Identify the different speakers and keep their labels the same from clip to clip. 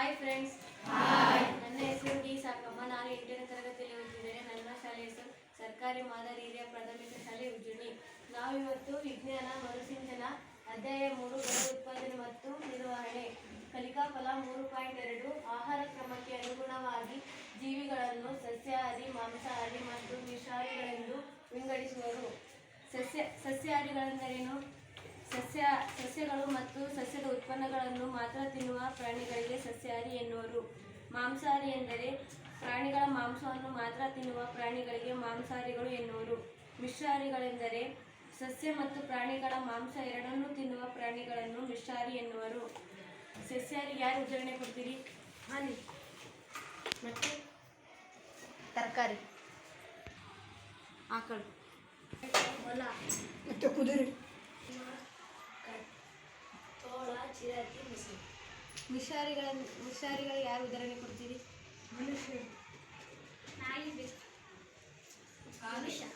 Speaker 1: Hi friends. Hi. ನನ್ನ ಹೆಸರು D ಸಾಕಮ್ಮ. ನಾನು 8ನೇ ತರಗತಿಯಲ್ಲಿ ಓದುತ್ತಿದ್ದೇನೆ. ನನ್ನ ಶಾಲೆ ಹೆಸರು ಸರ್ಕಾರಿ ಮಾದರಿ ಹಿರಿಯ ಪ್ರಾಥಮಿಕ ಶಾಲೆ ಉಜ್ಜುನಿ. ನಾವು ಇವತ್ತು ವಿಜ್ಞಾನ ಮರುಸಿಂಚನ ಅಧ್ಯಾಯ 3 ಬೆಳೆ ಉತ್ಪಾದನೆ ಮತ್ತು ನಿರ್ವಹಣೆ ಕಲಿಕಾ ಫಲ 3.2 ಆಹಾರ ಕ್ರಮಕ್ಕೆ ಅನುಗುಣವಾಗಿ ಜೀವಿಗಳನ್ನು ಸಸ್ಯಾಹಾರಿ, ಮಾಂಸಾಹಾರಿ ಮತ್ತು ಮಿಶ್ರಾಹಾರಿಗಳೆಂದು ವಿಂಗಡಿಸುವರು. ಸಸ್ಯಾಹಾರಿಗಳೆಂದರೇನು? ಸಸ್ಯಗಳು ಮತ್ತು ಸಸ್ಯದ ಉತ್ಪನ್ನಗಳನ್ನು ಮಾತ್ರ ತಿನ್ನುವ ಪ್ರಾಣಿಗಳಿಗೆ ಸಸ್ಯಾಹಾರಿ ಎನ್ನುವರು. ಮಾಂಸಾಹಾರಿ ಎಂದರೆ ಪ್ರಾಣಿಗಳ ಮಾಂಸವನ್ನು ಮಾತ್ರ ತಿನ್ನುವ ಪ್ರಾಣಿಗಳಿಗೆ ಮಾಂಸಾಹಾರಿಗಳು ಎನ್ನುವರು. ಮಿಶ್ರಾಹಾರಿಗಳೆಂದರೆ ಸಸ್ಯ ಮತ್ತು ಪ್ರಾಣಿಗಳ ಮಾಂಸ ಎರಡನ್ನೂ ತಿನ್ನುವ ಪ್ರಾಣಿಗಳನ್ನು ಮಿಶ್ರಾಹಾರಿ ಎನ್ನುವರು. ಸಸ್ಯಾಹಾರಿಗೆ ಯಾರು ಉದಾಹರಣೆ ಕೊಡ್ತೀರಿ? ಹಾನಿ ಮತ್ತು ತರಕಾರಿ, ಆಕಳು, ಹೊಲ
Speaker 2: ಮತ್ತು ಕುದುರೆ,
Speaker 1: ತೋಳ, ಚಿರತೆ, ಮುಸು. ಮಿಶ್ರಾಹಾರಿಗಳಿಗೆ ಯಾರು ಉದಾಹರಣೆ ಕೊಡ್ತೀರಿ?
Speaker 2: ಮನುಷ್ಯರು,
Speaker 1: ನಾಯಿ, ಮನುಷ್ಯ.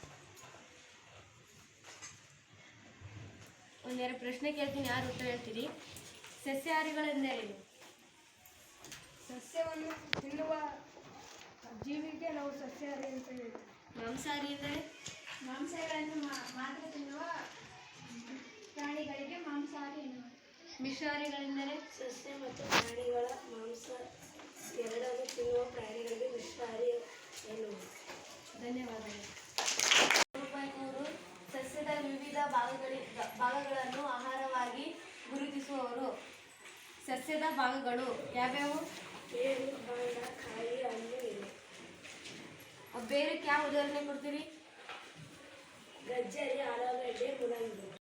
Speaker 1: ಒಂದೆರಡು ಪ್ರಶ್ನೆ ಕೇಳ್ತೀನಿ, ಯಾರು ಉತ್ತರ ಹೇಳ್ತೀರಿ? ಸಸ್ಯಾಹಾರಿಗಳೆಂದರೇನು?
Speaker 2: ಸಸ್ಯವನ್ನು ತಿನ್ನುವ ಜೀವಿಗೆ ನಾವು ಸಸ್ಯಾಹಾರಿ ಅಂತ ಹೇಳ್ತೀವಿ.
Speaker 1: ಮಾಂಸಾಹಾರಿ ಎಂದರೆ
Speaker 3: ಮಾಂಸಗಳನ್ನು ಮಾತ್ರ ತಿನ್ನುವ ಪ್ರಾಣಿಗಳಿಗೆ ಮಾಂಸಾಹಾರಿ ಎನ್ನುವರು.
Speaker 1: ಮಿಶ್ರಾಹಾರಿಗಳೆಂದರೆ
Speaker 4: ಸಸ್ಯ ಮತ್ತು ಪ್ರಾಣಿಗಳ ಮಾಂಸ ಎರಡನ್ನೂ ತಿನ್ನುವ ಪ್ರಾಣಿಗಳಿಗೆ ಮಿಶ್ರಾಹಾರಿ ಎನ್ನುವರು.
Speaker 1: ಧನ್ಯವಾದಗಳು. 3.3 ಸಸ್ಯದ ವಿವಿಧ ಭಾಗಗಳನ್ನು ಆಹಾರವಾಗಿ ಗುರುತಿಸುವವರು. ಸಸ್ಯದ ಭಾಗಗಳು ಯಾವ್ಯಾವು?
Speaker 4: ಬೇರು, ಕಾಂಡ, ಕಾಯಿ, ಹಣ್ಣು, ಎಲೆ.
Speaker 1: ಬೇರಕ್ಕೆ ಯಾವ ಉದಾಹರಣೆ ಕೊಡ್ತೀರಿ?
Speaker 4: ಗಜ್ಜರಿ, ಆಲೂಗಡ್ಡೆ, ಮೂಲಂಗಿ.